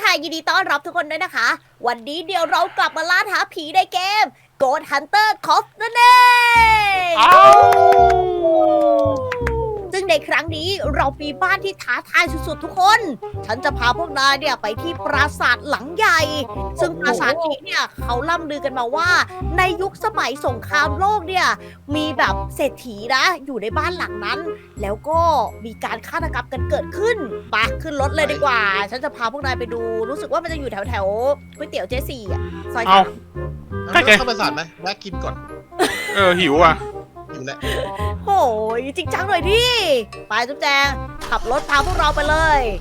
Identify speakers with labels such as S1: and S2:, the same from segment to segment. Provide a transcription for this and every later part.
S1: ค่ะยินดีต้อนรับทุกคนด้วยนะคะวันนี้เดี๋ยวเรากลับมาล่าท้าผีในเกม Ghost Hunter Cop นั่นเองซึ่งในครั้งนี้เรามีบ้านที่ท้าทายสุดๆทุกคน ฉันจะพาพวกนายเนี่ยไปที่ปราสาทหลังใหญ่ ซึ่งปราสาทนี้เนี่ยเขาล่ำลือกันมาว่าในยุคสมัยสงครามโลกเนี่ยมีแบบเศรษฐีนะอยู่ในบ้านหลังนั้น แล้วก็มีการฆาตกรรมกันเกิดขึ้นไปขึ้นรถเลยดีกว่า ฉันจะพาพวกนายไปดู รู้สึกว่ามันจะอยู่แถวแถวก๋วยเตี๋ยวเจสี่อะซอย
S2: เอา
S1: สาม
S2: ใกล้ๆ
S3: เข้าประสาทไหมแวะกินก่อน
S2: หิวอ่ะ
S3: อยู่แล้ว
S1: โอ้ยจริงจังหน่อยดิ ไปจุ๊บแจง ขับรถพาพวกเราไปเลย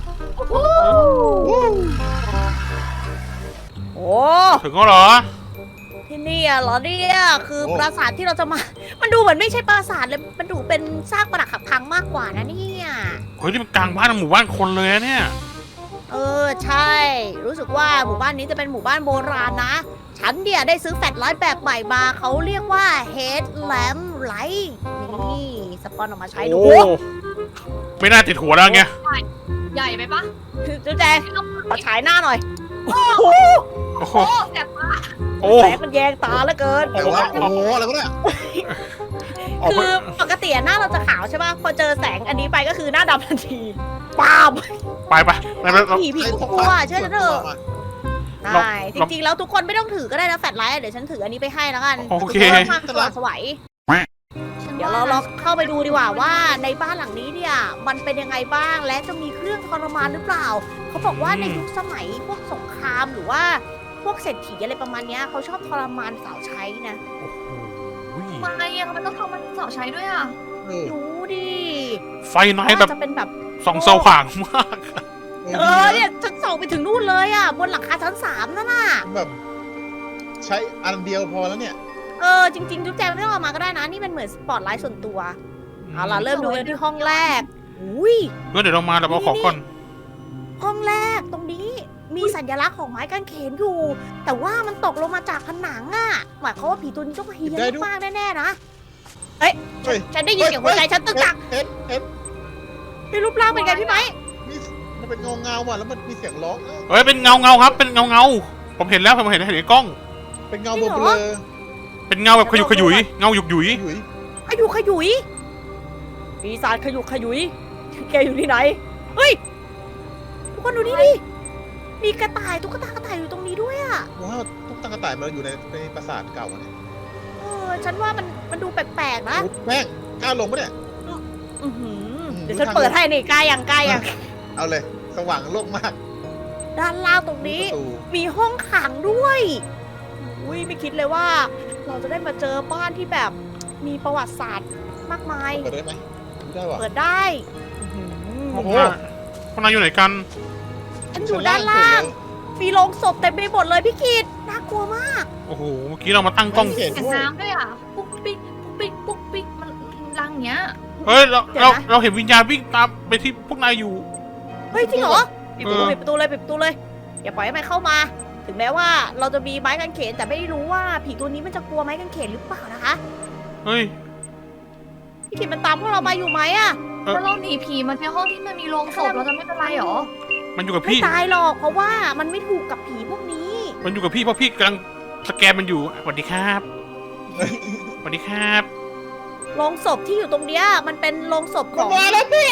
S1: โอ้
S2: ถึงก็เหรอ
S1: ที่นี่อะเหรอเนี่ยคือปราสาทที่เราจะมา มันดูเหมือนไม่ใช่ปราสาทเลย มันดูเป็นซากปรักหักพังมากกว่านะเนี่ย
S2: เฮ้ยนี่มันกลางบ้านหมู่บ้านคนเลยอะเนี่ย
S1: ใช่ รู้สึกว่าหมู่บ้านนี้จะเป็นหมู่บ้านโบราณนะ ฉันเนี่ยได้ซื้อแฟลชไลท์แบบใหม่มา เขาเรียกว่า Headlamp Light นี่สปอนออกมาใช้ดู
S2: โอ้ไม่น่าติดหัวแล้วไง
S4: ใหญ่ไปปะ
S1: จุ๊แจงขอฉายหน้าหน่อย
S2: โอ้โห
S4: โอ้แสบตา
S2: โอ้
S1: แสงมันแยงตาเหลือเกิน
S3: แต่ว่าโอ้โหอะไรวะเนี่ย
S2: ออก
S1: คื
S2: ไป
S1: อปกติหน้าเราจะขาวใช่ป่ะ พอเจอแสงอันนี้ไปก็คือหน้าดำทันทีป้าม
S2: ไปเรา
S1: ผีก็กลัวเชื่อฉันเถอะ
S3: มา
S1: ใช่จริงๆแล้วทุกคนไม่ต้องถือก็ได้นะแฟลชไลท์เดี๋ยวฉันถืออันนี้ไปให้แล้วกัน
S2: โอเค
S1: พื่ความสว่างไสวัยเดี๋ยวเราลองเข้าไปดูดีกว่าว่าในบ้านหลังนี้เนี่ยมันเป็นยังไงบ้างและจะมีเครื่องทรมานหรือเปล่าเขาบอกว่าในยุคสมัยพวกสงครามหรือว่าพวกเศรษฐีอะไรประมาณเนี้ยเขาชอบทรมานสาวใช้นะ
S2: โอ้โห
S4: ทำไมอะมันต้องทำมันสาวใช้ด้วยอ่ะ
S1: รู้ดิ
S2: ไฟไหนแบบ
S1: จะเป็นแบบ
S2: ส่องสว่างมาก
S1: เนี่ยฉันส่องไปถึงนู่นเลยอ่ะบนหลังคาชั้น3นั่นน่ะ
S3: แบบใช้อันเดียวพอแล้วเนี่ย
S1: จริงๆจุ๊บแจงไม่ต้องเอามาก็ได้นะนี่มันเหมือนสปอตไลท์ส่วนตัวเอาล่ะเริ่มดูกันที่ห้องแรกอุ้ย
S2: งั้นเดี๋ยวเรามาเราเอาของก่อน
S1: ห้องแรกตรงนี้มีสัญลักษณ์ของไม้กางเขนอยู่ แต่ว่ามันตกลงมาจากผนังอ่ะหมายความว่าผีตัวนี้ต้องเฮี้ย
S3: ได้
S1: น
S3: ด้วย
S1: มากแน่ๆนะเอ้ย
S3: เฮ้ย
S1: ฉันได้ยินเสียงหัวใจฉันตึกตัก
S3: เห็น
S1: มีรูปร่างเป็นไงพี่ไหม
S3: นี่มันเป็นเงาว่ะแล้วมันมีเสียงร้อง
S2: เฮ้ยเป็นเงาครับเป็นเงาผมเห็นแล้วผมเห็นในกล้อง
S3: เป็นเงาเบลอ
S2: เป็นเงาแบบขยุกขยุยเงาหยุกหยุย
S3: ๆอยู่
S1: ขยุกขยุยปีศาจขยุกขยุยแกอยู่ที่ไหนเฮ้ยทุกคนดูนี่ดิมีกระต่ายตุ๊กตากระต่ายอยู่ตรงนี้ด้วยอ่ะ
S3: ว้าวตุ๊กตากระต่ายมันอยู่ในปราสาทเก่าอะเนี่ย
S1: ฉันว่ามันดูแปลกๆนะ
S3: แม่งกล้าลงปะเนี่ย
S1: อื้อหือเดี๋ยวฉันเปิดให้นี่กล้ายัง
S3: เอาเลยสว่างโล่งมาก
S1: ด้านล่างตรงนี้
S3: ประตู
S1: มีห้องขังด้วยอุ้ยไม่คิดเลยว่า เราจะได้มาเจอบ้านที่แบบมีประวัติศาสตร์มากมาย
S3: เปิดได้ไหมได้ว่ะ
S1: เปิดได้อื้อหื
S3: โอ้
S1: อ
S3: โห
S2: พวกนายอยู่ไหนกัน
S1: ฉันอยู่ด้านล่าง มีโรงศพเต็มไปหมดเลยพี่กิตน่ากลัวมาก
S2: โอ้โหเมื่อกี้เรามาตั้งกล้อง
S3: เห็น
S4: เสียงน้ำด้วยอ่ะ ปุ๊กปิ๊กปุ๊กปิ๊กปุ๊กปิ๊กมันรังเนี้ย
S2: เฮ้ยเราเห็นวิญญาณวิ่งตามไปที่พวกนายอยู่
S1: เฮ้ยจริงเหรอปิดประตู
S2: เออ
S1: ปิดประตูเลยปิดประตูเลยอย่าปล่อยให้มันเข้ามา ถึงแม้ว่าเราจะมีไม้กางเขนแต่ไม่รู้ว่าผีตัวนี้มันจะกลัวไม้กางเขนหรือเปล่านะคะ
S2: เฮ้ย
S1: พี่กิตมันตามพวกเรามาอยู่ไหมอะ
S4: ถ้าเราหนีผีมันเป็นห้องที่มันมีโรงศพเราจะไม่เป็นไรหรอ
S2: มันอยู่กับ
S1: ไม่
S2: พี่
S1: ตายหรอกเพราะว่ามันไม่ถูกกับผีพวกนี้
S2: มันอยู่กับพี่เพราะพี่กำลังสแกนมันอยู่สวัสดีครับสวัสดีครับ
S1: โรงศพที่อยู่ตรงเนี้ยมันเป็นโรงศพของ
S3: มาแล้วพี่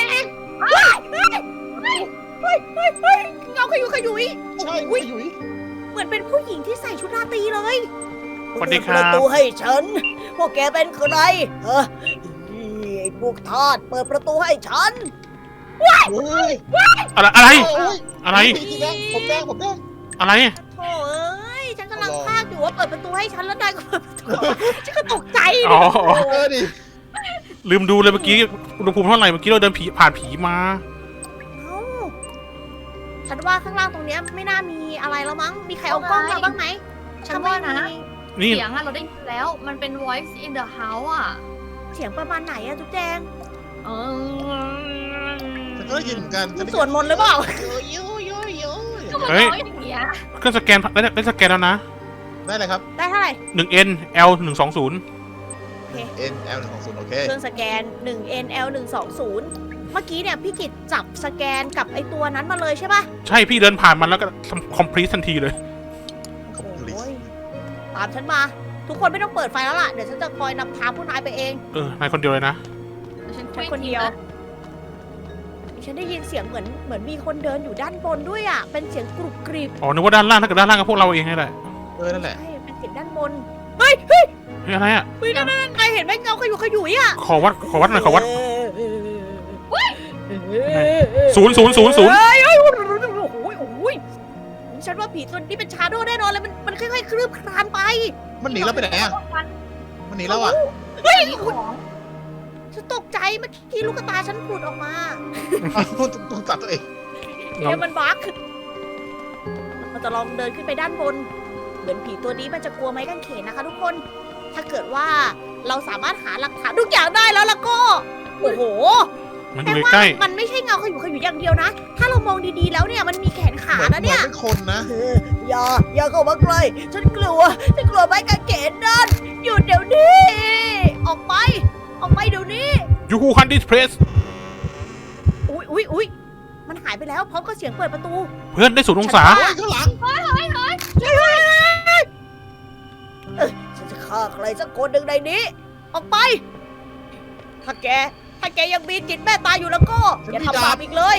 S1: เงาขยุยขยุย
S3: ใช่
S1: อุ๊ย
S3: อยู่
S1: เหมือนเป็นผู้หญิงที่ใส่ชุดราตรีเลย
S2: สวัสดีค
S1: เปิ
S2: รั
S1: ดประ
S2: บ
S1: ตูให้ฉัน พวกแกเป็นใครไอ้พวกทาสเปิดประตูให้ฉัน
S3: โอ้ย
S2: อะไร
S3: โอ้ย
S2: อะไร
S3: พี่แดงผมแดง
S2: อะไร
S1: โถ่เอ้ยฉันกำลัง
S3: รอ
S1: พากอยู่ว่าเปิดประตูให้ฉันแล้วได้ก็เปิดประตูฉันก็ตกใจ
S2: อ๋อ
S3: ดิ
S2: ลืมดูเลยเมื่อกี้อุณหภูมิเท่าไหร่เมื่อกี้เราเดินผ่านผีมา
S1: เอ้าฉันว่าข้างล่างตรงเนี้ยไม่น่ามีอะไรแล้วมั้ง มีใครเอากล้องมาบ้างไหม
S4: ฉันว่านะ
S2: นี่
S4: เสียงอะเราได้ยินแล้ว มันเป็น voice in the house อ่ะ
S1: เสียงประมาณไหนอะจุ๊บแจง
S4: เออ
S3: ฉันก็ได้ยินเหมือนกัน
S1: สวดมนต์หรือเปล่า
S4: ก็มัน
S2: เฮ้ย
S4: ร้องอย่างเงี้ย
S2: เครื่องสแกนได้สแกนแล้วนะ
S3: ได้เลยครับ
S1: ได้เท่าไหร่
S2: 1N L 120
S3: N L 120โอเค
S1: เครื่องสแกน 1N L 120 เมื่อกี้เนี่ยพี่กิตจับสแกนกับไอตัวนั้นมาเลยใช่ปะ
S2: ใช่พี่เดินผ่านมันแล้วก็ทำคอมพลีททันทีเลย
S3: คอมพลี
S1: โอ้ยตามฉันมา ทุกคนไม่ต้องเปิดไฟแล้วล่ะ เดี๋ยวฉันจะคอยนำทางพวกนายไปเอง
S2: นายคนเดียวเลยนะ
S4: ฉัน
S1: แค่คนเดียว ฉันได้ยินเสียงเหมือนมีคนเดินอยู่ด้านบนด้วยอ่ะ เป็นเสียงกรุบกริบ
S2: อ๋อนึกว่าด้านล่างถ้าเกิดด้านล่างก็พวกเราเองนี่แหละ
S3: นั่นแหละ
S1: ใช่ เป็นเสียงด้านบน เฮ้ยเฮ้ย
S2: เฮ้ยอะไรอ่ะ
S1: เฮ้ยนั่นนายเห็นไหมเงาขยุกขยุยอ่ะ
S2: ขอวัดหน่อยขอวัด
S1: ศูนย์
S2: 0 0 0 0
S1: เฮ้ยโอ้โหโอ้โหฉันว่าผีตัวนี้เป็นชาโดว์แน่นอนเลย มันค่อยๆคลืบคลานไป
S3: มันหนีเราไปไหนอ่ะ
S4: ฟัน
S3: มันหนีเราอ่ะ
S1: เฮ้ย
S4: มีของ
S1: ฉันตกใจเมื่อกี้ลูกตาฉันผุดออกมา
S3: ต้องตัดตัวเอง
S1: มันบั๊กเราจะลองเดินขึ้นไปด้านบน เหมือนผีตัวนี้มันจะกลัวไม้กางเขนนะคะทุกคน ถ้าเกิดว่าเราสามารถหาหลักฐานทุกอย่างได้แล้วก็ โอ้โห
S2: มันอ
S1: แต่
S2: ยู่
S1: ว่า
S2: ใกล้
S1: มันไม่ใช่เงาขยุกขยุยอย่างเดียวนะ ถ้าเรามองดีๆแล้วเนี่ยมันมีแขนขา
S3: เหมือน
S1: นะเนี่ย
S3: เป็นคนนะ
S1: อย่าเข้ามาใกล้ฉันกลัวไม้กางเขนนั่นหยุดเดี๋ยวนี้ ออกไปเดี๋ยวนี้
S2: ยูฮูฮันดิสเพรส
S1: อุ๊ยมันหายไปแล้วพร้อมกับเสียงเปิดประตู
S2: เพื่อนได้0 องศา
S3: เฮ้ยข้างหลัง
S1: ฉันจะฆ่าใครสักคนหนึ่งในนี้ ออกไป ถ้าแกยังมีจิตแม่ตายอยู่แล้วก็อย่าทำบาปอีกเลย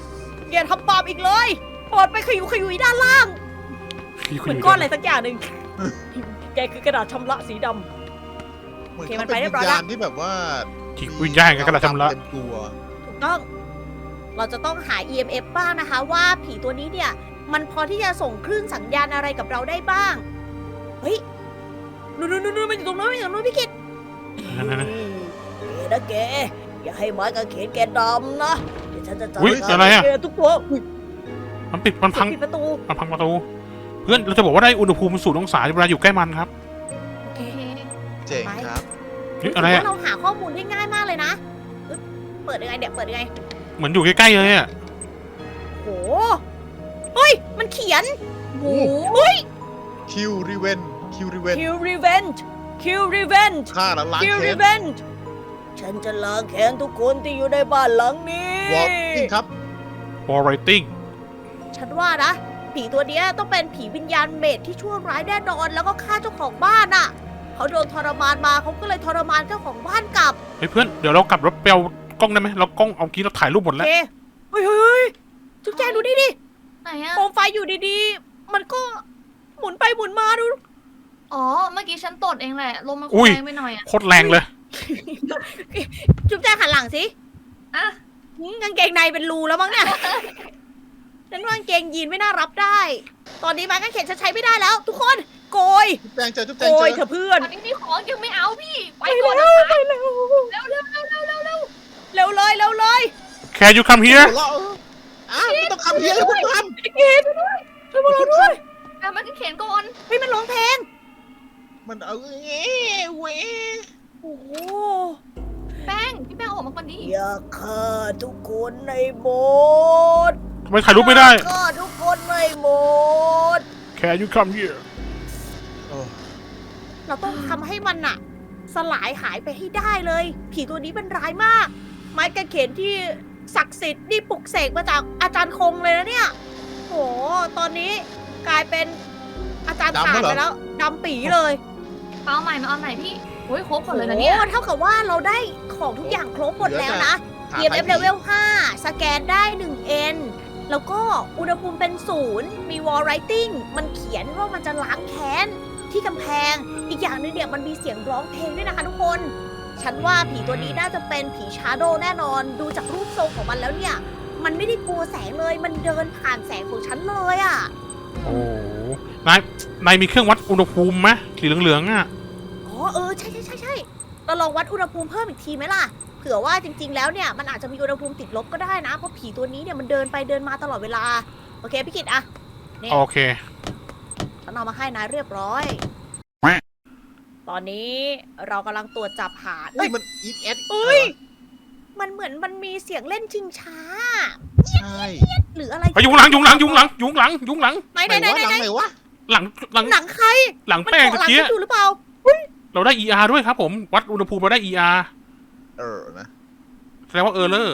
S1: ปลดไปขยุยด้านล่างเหมือนก้อนอะไรสักอย่างหนึ่งแกคือกระดาษชำระสีดำ
S3: เหมือน
S1: โอเคมั
S3: เขา
S1: นไป
S3: เป็น
S1: เรียบร้
S3: วิ
S1: อย
S3: ญ
S1: แล้ว
S3: ญาณที่แบบว่า
S2: จิตวิญญาณกันกระดาษชำระ
S3: เต็มตัว
S1: ถูกต้อง เราจะต้องหา EMF บ้างนะคะว่าผีตัวนี้เนี่ย มันพอที่จะส่งคลื่นสัญญาณอะไรกับเราได้บ้าง เฮ้ยนู่นมันอยู่ตรงนู้นพี่กิต
S2: นั่น
S1: นะแก อย่าให้ไม้กางเขนแกดำนะ เดี๋ยวฉันจะจัด
S2: อุ๊ย
S1: การ
S2: อะไรอะ
S1: แกทุกตัวอุ๊ย
S2: มันปิดมันพัง
S1: ปิดประตู
S2: มันพังประตู เพื่อนเราจะบอกว่าได้อุณหภูมิ0 องศาเวลาอยู่ใกล้มันครับ
S1: โอเค
S3: เจ๋งครับ
S2: เฮ้ยอะไร
S1: ถื
S2: อ่ะ
S1: ว่าเราหาข้อมูลได้ง่ายมากเลยนะอึ๊บเปิดยังไงเดี๋ยวเปิดยังไง
S2: เหมือนอยู่ใกล้ๆเลยอ่ะ
S1: โหเฮ้ย มันเขียน
S4: หมู
S3: คิวรีเวนคิวรีเวน
S1: Kill Revenge Kill Revenge
S3: ฆ่าแล้วล้าง
S1: Kill
S3: แค้น
S1: Revenge ฉันจะล้างแค้นทุกคนที่อยู่ในบ้านหลังนี้
S3: วอล์กครับ
S2: Wall Writing
S1: ฉันว่านะ ผีตัวเนี้ยต้องเป็นผีวิญญาณเมดที่ชั่วร้ายแน่นอน แล้วก็ฆ่าเจ้าของบ้านอ่ะ เขาโดนทรมานมาเขาก็เลยทรมานเจ้าของบ้านกลับ
S2: เฮ้ยเพื่อนเดี๋ยวเรากลับรถไปเอากล้องได้ไหมเรากล้องเอากี้เราถ่ายรูปหมด
S1: โอ
S2: แล้ว
S1: เคเฮ้ยจุ๊บแจงดูดิ
S4: ไหนอะ
S1: โคมไฟอยู่ดีๆ มันก็หมุนไปหมุนมาดู
S4: อ๋อ เมื่อกี้ฉันตดเองแหละ ลมมัน
S2: อุ้ย
S4: แรงไปหน่อยอะ
S2: โคตรแรงเลย
S1: จุ๊บแจงหันหลังสิ
S4: อ่ะ
S1: กางเกงในเป็นรูแล้วมั้งเนี่ย ฉันว่ากางเกงยีนไม่น่ารับได้ ตอนนี้ไม้กางเขนฉันใช้ไม่ได้แล้ว ทุกคน โกย
S3: จุ๊บแจงเจอจุ๊บแจ
S1: โก
S3: งเจ
S1: ย
S3: อ
S1: เถอะเพื่อน
S4: ตอนนี้มีของยังไม่เอาพี่ ไป
S1: ไป
S4: ก่อน
S1: แล้
S4: นะ
S1: ว
S4: คะ
S1: ไปแล้ว
S4: เร็ว
S1: เร็วเลย
S2: Can you come here
S3: หัวเราะอ้าวไม่ต้องคำเพี้ยนเลยคุณท
S1: ช่วยพวกเราด้วย
S4: อ่ะมันก็เขียนก่อน
S1: เฮ้ยมันร้องเพลง
S3: ำมันเอาเว้
S1: โอ้โห
S4: แป้ง พี่แป้งออกมาก่อนดิ
S1: อย่าฆ่าทุกคนในโบสถ์
S2: ทำไมถ่ายรูปไม่ได้
S1: อย่าฆ่าทุกคนในโบสถ์
S2: Can you come here
S3: โอ้
S1: เราต้องทำให้มันอะสลายหายไปให้ได้เลย ผีตัวนี้มันร้ายมาก ไม้กางเขนที่ศักดิ์สิทธิ์นี่ปลุกเสกมาจากอาจารย์คงเลยนะเนี่ยโหตอนนี้กลายเป็นอาจารย์ถ่านไปแล้วดำปีเลย
S4: เอาใหม่มาเอาใหม่พี่โอ้ยครบหมดเลยนะเนี่ย
S1: โอ้เท่ากับว่าเราได้ของทุกอย่างครบหมดแล้วนะ
S3: หา
S1: EMF
S3: ใคร
S1: level 5 สแกนได้ 1N แล้วก็อุณหภูมิเป็น0มี wall writing มันเขียนว่ามันจะล้างแค้นที่กำแพง อีกอย่างหนึงเนี่ยมันมีเสียงร้องเพลงด้วยนะคะทุกคน ฉันว่าผีตัวนี้น่าจะเป็นผีชาโดว์แน่นอน ดูจากรูปทรงของมันแล้วเนี่ย มันไม่ได้กลัวแสงเลย มันเดินผ่านแสงของฉันเลยอะ่ะ
S2: โอ้โหนายมีเครื่องวัดอุณหภูมิไหมสีเหลืองๆอ่ะ
S1: อ๋อใช่เราลองวัดอุณหภูมิเพิ่มอีกทีไหมล่ะ เผื่อว่าจริงๆแล้วเนี่ยมันอาจจะมีอุณหภูมิติดลบก็ได้นะ เพราะผีตัวนี้เนี่ยมันเดินไปเดินมาตลอดเวลา โอเคพี่กิตอะ นี่
S2: โอเค
S1: ฉันเอามาให้นายเรียบร้อย ตอนนี้เรากำลังตรวจจับหา
S3: เฮ้ยมันอีทเอส
S1: เอ้ย มันเหมือนมันมีเสียงเล่นชิงช้า
S3: ใช่
S1: หรืออะไร
S2: ไปยุงหลัง
S1: ไหน
S3: ไหนวะ
S2: หลัง
S1: หนังใคร
S2: หลัง
S1: มัน
S2: แป้ง
S1: เกาะ
S2: ตะ
S1: หลัง
S2: กี้
S1: ฉันอยู่หรือเปล่า
S2: เราได้ ER ด้วยครับผม วัดอุณหภูมิเราได้ ER
S3: นะ
S2: แสดงว่าเลอร์
S1: โ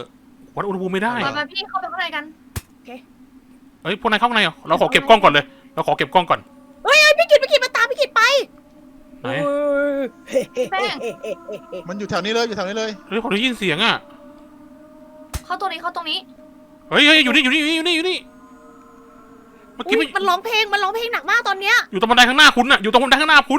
S2: วัดอุณหภูมิไม่ได้
S4: มาพี่เข้าไปข้างในกัน
S2: เฮ้ยพวกนายเข้าข้างในเหรอเราขอเก็บกล้องก่อนเลยเราขอเก็บกล้องก่อน
S1: เฮ้ยพี่กิตมาตามพี่กิตไป
S2: ไหน
S4: แป้ง
S3: มันอยู่แถวนี้เลยอยู่แถวนี้เลย
S2: เฮ้ยผมได้ยินเสียงอ่ะ
S4: เข้าตรงนี้
S2: เฮ้ยอยู่นี่เมื่อกี้
S1: อุ๊ยมันร้องเพลงหนักมากตอนเนี้ย
S2: อยู่ตรงบันไดข้างหน้าคุณอ่ะอยู่ตรงบันไดข้างหน้าคุณ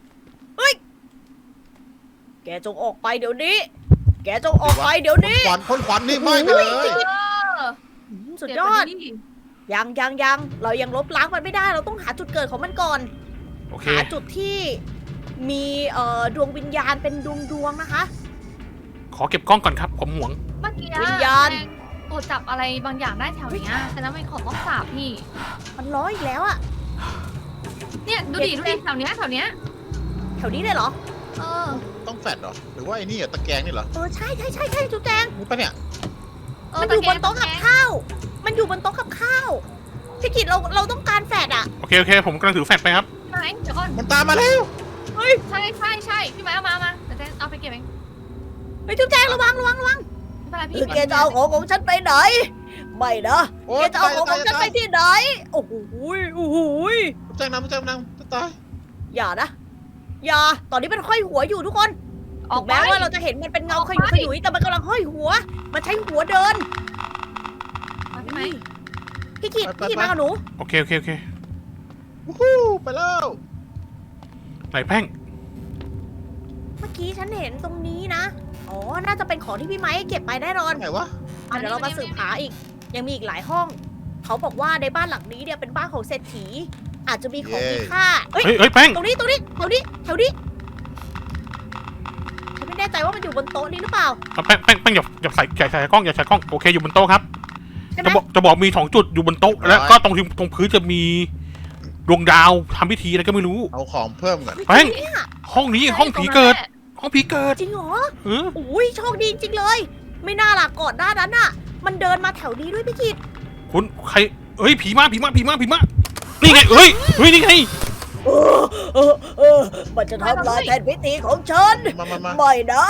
S1: แกจงออกไปเดี๋ยวนี้ แกจงออกไปเดี๋ยวนี้
S3: พ่นควันนี่ไหม้ไปเลย
S1: สุดยอด ยังเรายังลบล้างมันไม่ได้เราต้องหาจุดเกิดของมันก่อน
S2: โอเค
S1: หาจุดที่มีดวงวิญญาณเป็นดวงนะคะ
S2: ขอเก็บกล้องก่อนครับผมห่วง
S4: เมื่อกี้
S1: วิญญาณ
S4: ตรวจจับอะไรบางอย่างได้แถวเนี้ยแต่นั้นเป็นของต้องสาบพี่
S1: มันร้อยอีกแล้วอะ
S4: เนี่ยดูดิแถวเนี้ย
S1: แถวนี้เลยเหรอ
S4: เออ
S3: ต้องแฟดเหรอหรือว่าไอ้นี่อะตะแกรงนี่เหรอ
S1: ใช่จุ๊บแจง
S3: นี่ปะเนี่ย
S1: มันอยู่บนโต๊ะกับข้าว มันอยู่บนโต๊ะกับข้าวพี่กิตเราต้องการแฟดอะ
S2: โอเคผมกำลังถือแฟลชไปครับ
S4: ไหนเดี๋ยวก่อน
S3: มันตามมาแล้ว
S4: ใช่พี่ไม้เอามาเดี๋ยวเอาไปเก็บเอง
S1: เฮ้ยจุ๊บแจงระวัง
S4: ไม่เป็นไรพี่
S1: แกจะเอาของฉันไปไหน ไม่นะ
S3: โอ้
S1: แก
S3: ย
S1: จะเอาของฉันไปที่ไหน โอ้โห
S3: แจ้งน้ำจะตาย
S1: อย่านะ อย่า ตอนนี้มันห้อยหัวอยู่ทุกคน
S4: ออก
S1: แม้ว่าเราจะเห็นมันเป็นเงาขยุยแต่มันกำลังห้อยหัว มันใช้หัวเดิน
S4: พี่ไม้
S1: พี่กิตมากับหนู
S2: โอเค
S3: วู้ฮู้ไปแล้ว
S2: ไหนแป้ง
S1: เมื่อกี้ฉันเห็นตรงนี้นะ อ๋อ น่าจะเป็นของที่พี่ไม้เก็บไปแน่นอน
S3: ไหนวะ
S1: เดี๋ยวเรามาสืบหาอีก ยังมีอีกหลายห้อง เขาบอกว่าในบ้านหลังนี้เนี่ยเป็นบ้านของเศรษฐี อาจจะมีของมีค่าเอ้ย
S2: เฮ้ยแป้ง
S1: ตรงนี้แถวนี้ฉันไม่แน่ใจว่ามันอยู่บนโต๊ะนี้หรือเปล่า
S2: แป้งอย่าใส่กล้องโอเคอยู่บนโต๊ะครับ
S1: ใช่ไหม
S2: จะบอกมี2 จุดอยู่บนโต๊ะแล้วก็ตรงพื้นจะมีดวงดาวทำพิธีอะไรก็ไม่รู้
S3: เอาของเพิ่มก่อน
S2: แป้ง ห้องนี้ห้องผีเกิด ห้องผีเกิด
S1: จริงเหรอ
S2: เออ
S1: อุ้ยโชคดีจริงๆเลย ไม่น่าล่ะก่อนหน้านั้นน่ะ มันเดินมาแถวนี้ด้วยพี่กิต
S2: คุณใครเอ้ยผีมานี่ไงเฮ้ยนี่ไง
S1: มันจะทำลายแทนพิธีของฉัน
S3: มา
S1: ไม่นะ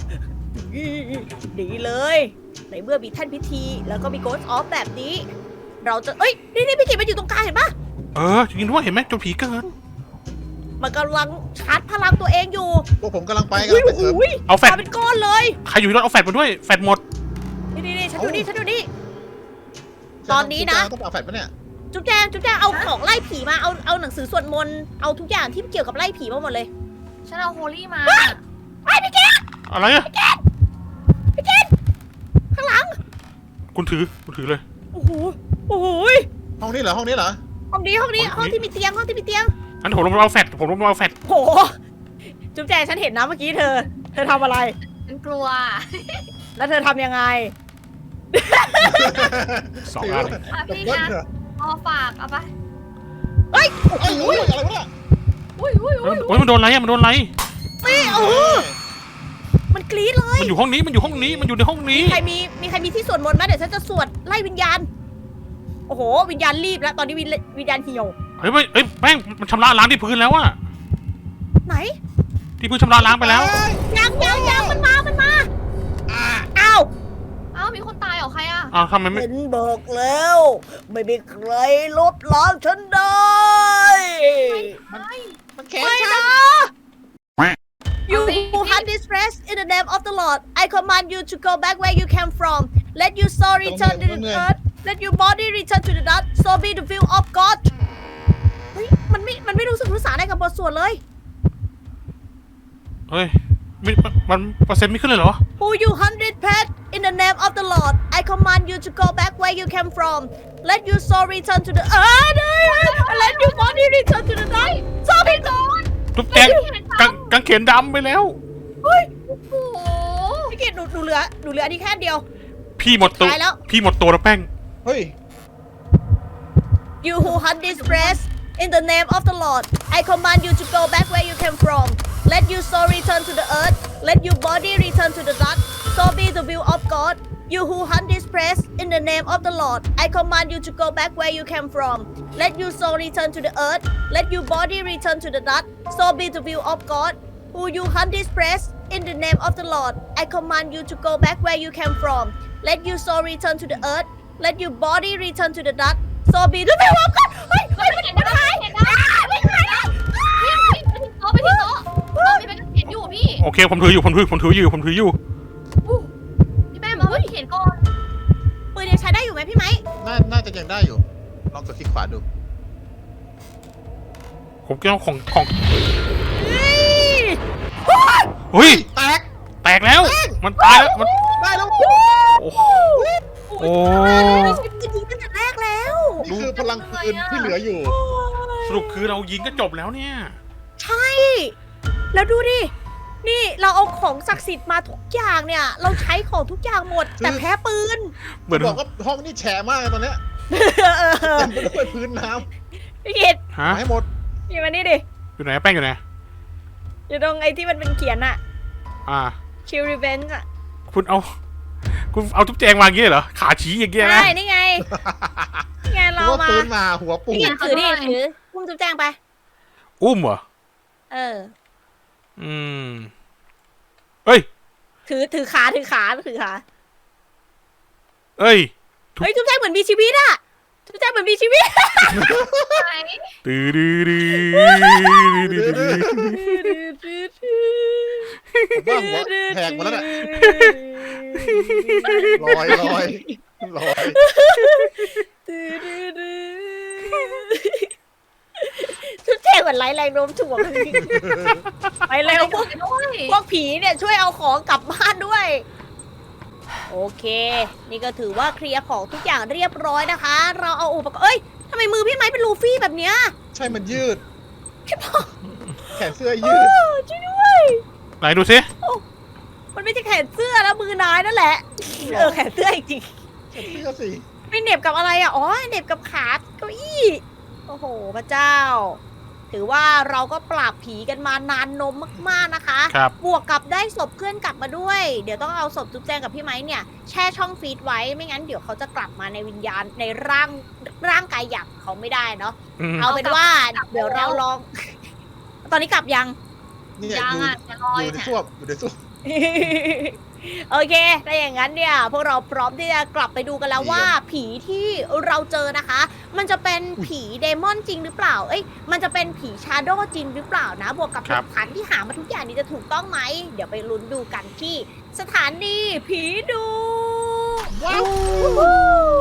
S1: ดีเลย ในเมื่อมีแท่นพิธี แล้วก็มีโกสต์ออฟแบบนี้ เราจะเอ้ยนี่พี่กิตมันอยู่ตรงกลางเห็นปะ
S2: จริงด้วยเห็นไหมจนผีเกิด
S1: มันกำลังชาร์จพลังตัวเองอยู่
S3: พวกผมกำลังไปกันไปเสริม
S2: เอาแฟลช
S1: มาเป็นก้อนเลย
S2: ใครอยู่ที่รถเอาแฟลชมาด้วยแฟลชหมด
S1: นี่ฉันดูนี่ ตอนนี้นะ
S3: ต้องเอาแฟดปะเนี่ย
S1: จุ๊บแจงเอาของไล่ผีมา เอาหนังสือสวดมนต์ เอาทุกอย่างที่เกี่ยวกับไล่ผีมาหมดเลย
S4: ฉันเอาโฮลี่มา
S2: อะไรอะ
S1: ข้างหลัง
S2: คุณถือเลย
S1: โอ้โห
S3: ห้องนี้เหรอ
S1: ห้องนี้ห้องที่มีเตียง
S2: งั้นผมลงมาเอาแฟลช
S1: โห จุ๊บแจงฉันเห็นนะเมื่อกี้เธอทำอะไร
S4: ฉันกลัว
S1: แล้วเธอทำยังไง
S2: 2 อัน
S4: พี่นะเอาฝากเอาไป
S3: เอ้ยอะไรวะ
S4: อุ้ย
S2: มันโดนอะไรอะมันโดนอะไร
S1: มันกรี๊ดเลย
S2: มันอยู่ห้องนี้มันอยู่ในห้องนี้
S1: มีใครมีที่สวดมนต์ไหมเดี๋ยวฉันจะสวดไล่วิญญาณ โอ้โห วิญญาณรีบแล้ว ตอนนี้วิญญาณเหี่ยว
S2: เฮ้ยแป้งมันชำระล้างที่พื้นแล้วอะ
S1: ไหน
S2: ที่พื้นชำระล้างไปแล้ว
S1: ยังมันมาอ้าว
S4: อ้าวมีคนตายเหรอใครอ่ะ
S2: อ้าวทำไมไม่
S1: เห็นบอกแล้ว ไม่มีใครลบล้างฉันได้
S3: มันแข็ง
S1: ไม่นะ You who hunt this rest in the name of the Lord I command you to go back where you came from Let your soul return to the earth Let your body return to the dust So be the will of God เฮ้ยมันไม่รู้สึกรู้สาอะไรกับบทสวดเลย
S2: เฮ้ยมันเปอร์เซ็นต์ไม่ขึ้นเลยเหรอ
S1: Who you hunted pet in the name of the Lord I command you to go back where you came from Let your soul return to the earth Let your body return to the dust So be God
S2: ตุ๊กแกกางเขนดำไปแล้ว
S1: เฮ้ย
S4: โอ้โห
S1: พี่กิตหนูเหลืออันนี้แค่เดียว
S2: พี่หมดตัว
S1: ตายแล้ว
S2: พี่หมดตัวแล้วแป้ง
S3: เฮ้ย
S1: You who hunt this breast in the name of the Lord, I command you to go back where you came from. Let your soul return to the earth. Let your body return to the dust. So be the will of God. You who hunt this breast in the name of the Lord, I command you to go back where you came from. Let your soul return to the earth. Let your body return to the dust. So be the will of God. Who you hunt this breast in the name of the Lord, I command you to go back where you came from. let your soul return to the earth let your body return to the dust so be ด้วยไปวางกันเฮ้ย
S4: เฮ้ยมันเห็นได้เห็นได้ไม่ใช่ไปที่โต๊ะมีเป็นเขียนอยู่พี่
S2: โอเคผมถืออยู่
S4: พี่แม่มาเฮ้ยเขียนก่อน
S1: ปืนยังใช้ได้อยู่ไหมพี่ไหม
S3: น่าจะยังได้อยู่ ลองกดคลิกขวาดู
S2: ผมก็ต้องของ
S1: เฮ้ย
S2: เฮ้ย
S3: แตก
S2: แล้ว มันตายแล้วมัน
S3: ได้แล้ว
S2: โอ้โห โอ้
S1: ไม่ใช่ปืนยิงตั้งแต่แรกแล้ว
S3: นี่คือพลังปืนที่เหลืออยู่
S2: สรุปคือเรายิงก็จบแล้วเนี่ย
S1: ใช่ แล้วดูดิ นี่เราเอาของศักดิ์สิทธิ์มาทุกอย่างเนี่ย เราใช้ของทุกอย่างหมด แต่แพ้ปืน
S2: เหมือน
S3: บอกว่าห้องนี้แฉะมากเลยตอนเนี้ยเต็มไปด้วยพื้นน้
S1: พี่กิต
S2: ฮะ
S3: ำให้หมด
S1: นี่มานี่ดิ
S2: อยู่ไหนแป้งอยู่ไหน
S1: อยู่ตรงไอ้ที่มันเป็นเขียนอะ
S2: อ่า
S1: Chill Revenge อะ
S2: คุณเอาทุบแจงวางอย่างเงี้ยเหรอ ขาชี้อย่างเงี้ยนะ
S1: ใช่ นี่ไง นี่ไงเรา
S3: หัว
S1: มา
S3: ปืนมาหัวปู
S1: พี่กิตถือดิถือพุ่มจุ๊บแจงไป
S2: อุ้มเหรอ
S1: เออ
S2: อืม เฮ้ย
S1: ถือขา
S2: เอ้ย
S1: เฮ้ยจุ๊บแจงเหมือนมีชีวิตอะจุ๊บแจงเหมือนมีชีวิต
S4: ไหน
S2: ตื้อดื้อดื้อ
S3: ผมว่าหัวแหกหมดแล้วน่ะลอย
S1: จุ๊บแจงเหมือนไร้แรงโน้มถ่วงไปเร็วพวกผีเนี่ยช่วยเอาของกลับบ้านด้วย โอเค นี่ก็ถือว่าเคลียร์ของทุกอย่างเรียบร้อยนะคะ เราเอาอุปกรณ์เอ้ยทำไมมือพี่ไม้เป็นลูฟี่แบบเนี้ย
S3: ใช่มันยืด
S1: พี่บอก
S3: แขนเสื้อยืด
S1: ช่วยด้วย
S2: ไหนดูสิ
S1: มันไม่ใช่แขนเสื้อแล้วมือนายนั่นแหละแขนเสื้อจริง
S3: แขนเสื้อสิ
S1: ไม่เหน็บกับอะไรอ่ะอ๋อเหน็บกับขาเก้าอี้โอ้โหพระเจ้า ถือว่าเราก็ปราบผีกันมานานนมมากๆนะคะ
S2: ครับ
S1: บวกกับได้ศพเพื่อนกลับมาด้วย เดี๋ยวต้องเอาศพจุ๊บแจงกับพี่ไม้เนี่ยแช่ช่องฟีดไว้ไม่งั้นเดี๋ยวเขาจะกลับมาในวิญญาณในร่างกายหยาบเขาไม่ได้เนาะ เอาเป็นว่าเดี๋ยวเราลอง ตอนนี้กลับยัง
S3: นี่
S4: ยังอ่ะจะลอย
S3: อยู่ใน
S4: เนี่ย
S3: ส้วมอยู่ในส้วม
S1: โอเค ถ้าอย่างนั้นเนี่ย พวกเราพร้อมที่จะกลับไปดูกันแล้วว่า ผีที่เราเจอนะคะ มันจะเป็นผีเดมอนจริงหรือเปล่า เอ้ย มันจะเป็นผีชาโดว์จริงหรือเปล่านะ บวกกับหลักฐานที่หามาทุกอย่างนี้จะถูกต้องไหม เดี๋ยวไปลุ้นดูกันที่สถานีผีดู
S3: ว้าว
S1: วู้